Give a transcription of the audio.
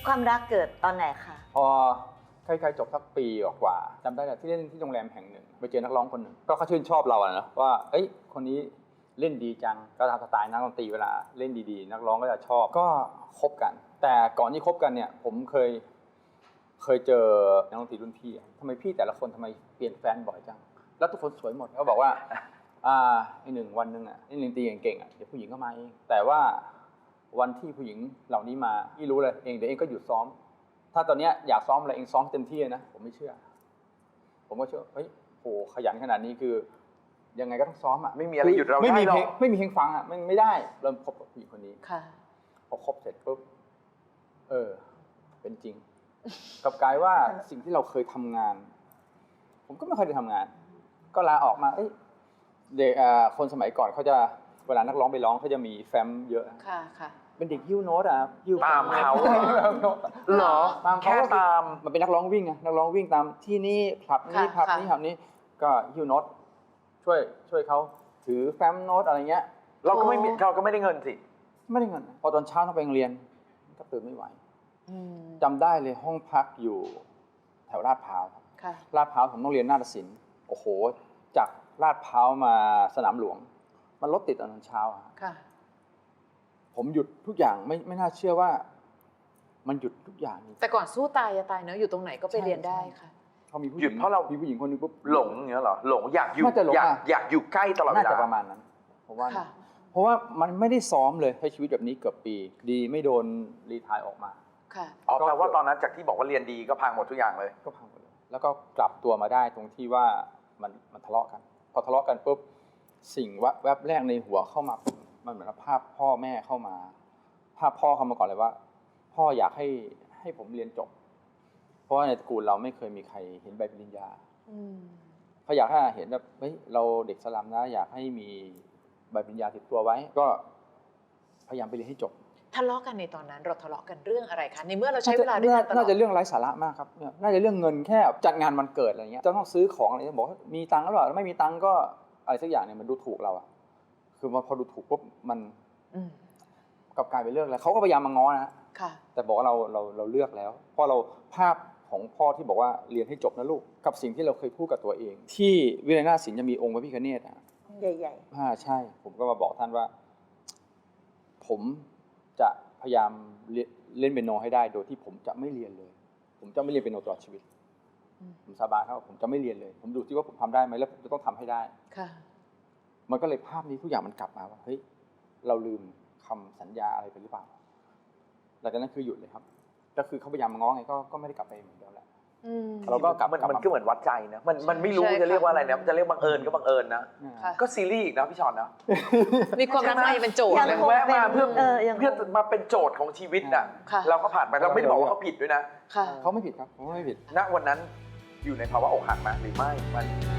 ความรักเกิดตอนไหนคะพอใกล้ๆจบสักปีกว่าจำได้แต่ที่เล่นที่โรงแรมแห่งหนึ่งไปเจอนักร้องคนหนึ่งก็เขาชื่นชอบเราอะนะว่าเอ้ยคนนี้เล่นดีจังก็ตามสไตล์นักดนตรีเวลาเล่นดีๆนักร้องก็จะชอบก็คบกันแต่ก่อนที่คบกันเนี่ยผมเคยเจอนักดนตรีรุ่นพี่ทำไมพี่แต่ละคนทำไมเปลี่ยนแฟนบ่อยจังแล้วทุกคนสวยหมดเขาบอกว่าไอ้หนึ่งวันหนึ่งอ่ะเล่นดนตรีเก่งๆอ่ะเดี๋ยวผู้หญิงก็มาเองแต่ว่าวันที่ผู้หญิงเหล่านี้มาพี่รู้เลยเองเดี๋ยวเองก็หยุดซ้อมถ้าตอนนี้อยากซ้อมอะไรเองซ้อมเต็มที่นะผมไม่เชื่อผมก็เชื่อเฮ้ยโหขยันขนาดนี้คือยังไงก็ต้องซ้อมอ่ะไม่มีอะไรหยุดเราได้หรอกไม่มีเพลงฟังอ่ะไม่ได้เริ่มคบกับผู้หญิงคนนี้ค่ะพอคบเสร็จปุ๊บเป็นจริงกลับกลายว่าสิ่งที่เราเคยทำงานผมก็ไม่ค่อยได้ทำงานก็ลาออกมาเด็กคนสมัยก่อนเขาจะเวลานักร้องไปร้องเขาจะมีแฟ้มเยอะค่ะเป็นเด็กฮิ้วโน้ตอ่ะฮิ้วตามเขาเหรอแค่ตามมันเป็นนักร้องวิ่งไงนักร้องวิ่งตามที่นี่คลับนี้คลับนี้คลับนี้ก็ฮิ้วโน้ตช่วยเขาถือแฟ้มโน้ตอะไรเงี้ยเราก็ไม่ได้เงินสิไม่ได้เงินพอตอนเช้าต้องไปโรงเรียนก็ตื่นไม่ไหวจำได้เลยห้องพักอยู่แถวลาดพร้าวลาดพร้าวผมต้องเรียนนาฏศิลป์โอ้โหจากลาดพร้าวมาสนามหลวงมันรถติดตอนเช้าผมหยุดทุกอย่างไม่น่าเชื่อว่ามันหยุดทุกอย่างแต่ก่อนสู้ตายจะตายเนอะอยู่ตรงไหนก็ไปเรียนได้ค่ะเขามีผู้หหยุญิดงเพราะเรามีผู้หญิงคนนึงปุ๊บหลงอย่างเงี้ยเหรอหลงอยากอยู่อยากอยู่ใกล้ตลอดเวลาน่าจะประมาณนั้นเพราะว่ามันไม่ได้ซ้อมเลยใช้ชีวิตแบบนี้เกือบปีดีไม่โดนรีไทร์ออกมาแปลว่าตอนนั้นจากที่บอกว่าเรียนดีก็พังหมดทุกอย่างเลยก็พังหมดเลยแล้วก็กลับตัวมาได้ตรงที่ว่ามันทะเลาะกันพอทะเลาะกันปุ๊บสิ่งแวบแรกในหัวเข้ามามันเหมือนภาพพ่อแม่เข้ามาภาพพ่อเข้ามาก่อนเลยว่าพ่ออยากให้ผมเรียนจบเพราะว่าในตระกูลเราไม่เคยมีใครเห็นใบปริญญาเขาอยากให้เห็นแบบเฮ้ยเราเด็กสลัมนะอยากให้มีใบปริญญาติดตัวไว้ก็พยายามไปเรียนให้จบทะเลาะกันในตอนนั้นเราทะเลาะกันเรื่องอะไรคะในเมื่อเราใช้เวลาด้วยกันตลอดน่าจะเรื่องไร้สาระมากครับน่าจะเรื่องเงินแค่จัดงานวันเกิดอะไรเงี้ยจะต้องซื้อของอะไรบอกมีตังค์หรือเปล่าไม่มีตังค์ก็อะไรสักอย่างเนี่ยมันดูถูกเราอะคือพอดูถูกปุ๊บมันกลับกลายเป็นเรื่องแล้วเขาก็พยายามมาง้อนะแต่บอกว่าเราเลือกแล้วเพราะเราภาพของพ่อที่บอกว่าเรียนให้จบนะลูกกับสิ่งที่เราเคยพูดกับตัวเองที่วิไลนาถศิลป์จะมีองค์พระพิฆเนศใหญ่ๆใช่ผมก็มาบอกท่านว่าผมจะพยายามเล่นเปียโนให้ได้โดยที่ผมจะไม่เรียนเลยผมจะไม่เรียนเปียโนตลอดชีวิตผมสาบานครับผมจะไม่เรียนเลยผมดูที่ว่าผมทำได้ไหมแล้วผมจะต้องทำให้ได้มันก็เลยภาพนี้ทุกอย่างมันกลับมาว่าเฮ้ยเราลืมคำสัญญาอะไรไปหรือเปล่าหลังจากนั้นคือหยุดเลยครับก็คือเขาพยายามมาง้อไงก็ไม่ได้กลับไปเหมือนเดิมแล้วเราก็กลับมันก็เหมือนวัดใจนะมันไม่รู้จะเรียกว่าอะไรนะจะเรียกบังเอิญก็บังเอิญนะก็ซีรีส์อีกนะพี่ชอนนะมีความรักใหม่เป็นโจทย์แวะมาเพื่อมาเป็นโจทย์ของชีวิตน่ะเราก็ผ่านไปเราไม่ได้บอกว่าเขาผิดด้วยนะเขาไม่ผิดครับเขาไม่ผิดณวันนั้นอยู่ในภาวะอกหักไหมหรือไม่มัน